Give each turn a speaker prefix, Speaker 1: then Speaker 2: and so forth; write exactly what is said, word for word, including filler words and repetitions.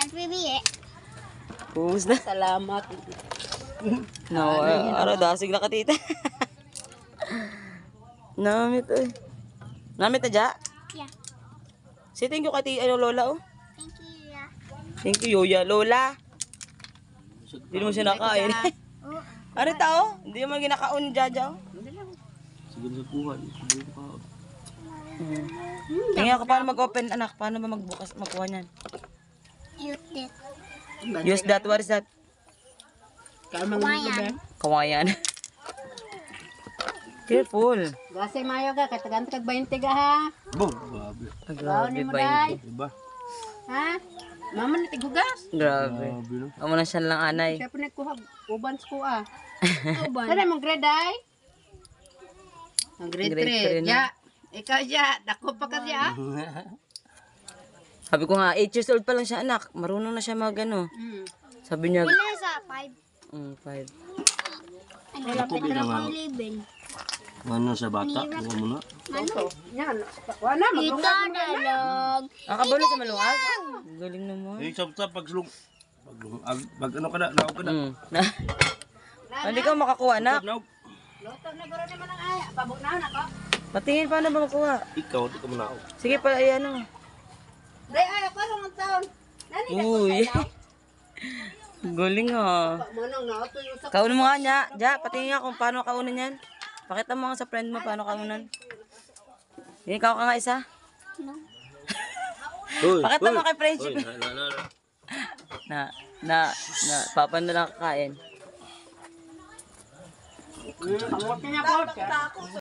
Speaker 1: At bibiye.
Speaker 2: Pumus na.
Speaker 3: Salamat.
Speaker 2: No, ara dasig na ka tita. Namit eh. Namit na ja?
Speaker 1: Yeah.
Speaker 2: Say thank you kati ano lola oh.
Speaker 1: Thank you, yeah.
Speaker 2: Thank you Yoya lola. Hindi mo siya nakain.
Speaker 1: Oo.
Speaker 2: Ano tao? Hindi mo ginakaon jaja oh.
Speaker 4: Sige sa kuha. Sige sa kuha.
Speaker 2: Hmm. Tingnan ko paano mag-open anak, paano ba magbukas magkuha niyan?
Speaker 1: Use it.
Speaker 2: Use that, what is that?
Speaker 3: Kalmang
Speaker 1: Kawayan.
Speaker 2: Kawayan. Careful.
Speaker 3: Gase mayo ka, katagan kag twenty ka ha.
Speaker 4: Boom. Grabe.
Speaker 2: Ah, grabe
Speaker 3: mo,
Speaker 2: ba
Speaker 3: Day.
Speaker 2: yun?
Speaker 4: Diba?
Speaker 3: Ha? Mama na tigugas.
Speaker 2: Grabe.
Speaker 4: Grabe no.
Speaker 2: Amo na siya lang anay.
Speaker 3: Siya po nagkuha, uban ko ah. Uban. Sana mong grade ay? Ang grade
Speaker 2: Grade three
Speaker 3: three.
Speaker 2: na.
Speaker 3: Ja. Ikaw ja, dako pa ka siya.
Speaker 2: Sabi ko nga, eight years old pa lang siya anak. Marunong na siya mag ano.
Speaker 3: Hmm.
Speaker 2: Sabi niya,
Speaker 1: Pila sa five.
Speaker 2: mm, five.
Speaker 1: Ano
Speaker 4: Ako
Speaker 1: lapit
Speaker 4: din
Speaker 1: na
Speaker 4: naman.
Speaker 1: pang eleven.
Speaker 4: Ano sa bata? Huwag mo na.
Speaker 3: Ano? Yan. Wala,
Speaker 1: Ito
Speaker 3: maglungag.
Speaker 1: dalog.
Speaker 2: Ah, kabalo sa malungag? Galing naman.
Speaker 4: Eh, sa sa pagsulong. Pag, ag, pag ano ka na, naog ka na.
Speaker 2: Mm. Na. Hindi ka makakuha anak.
Speaker 4: Naog.
Speaker 3: Luto na garo naman ang ay. Pabok na ako.
Speaker 2: Patingin paano ba makuha?
Speaker 4: Ikaw, di ka mo naog.
Speaker 2: Sige pa, ayan o.
Speaker 3: Day ay ako lang taon. Nani ka
Speaker 2: Uy. Galing ha.
Speaker 3: manong na auto yung sa
Speaker 2: Kaunan mo nga niya. Ja, patingin nga kung paano kaunan yan. Pakita mo nga sa friend mo paano kaunan. Hindi, ikaw ka nga isa.
Speaker 1: No.
Speaker 4: Uy,
Speaker 2: Pakita mo kay friendship.
Speaker 4: Uy, na, na, na.
Speaker 2: Na, na, na, papa na lang kakain.
Speaker 3: Ang niya po.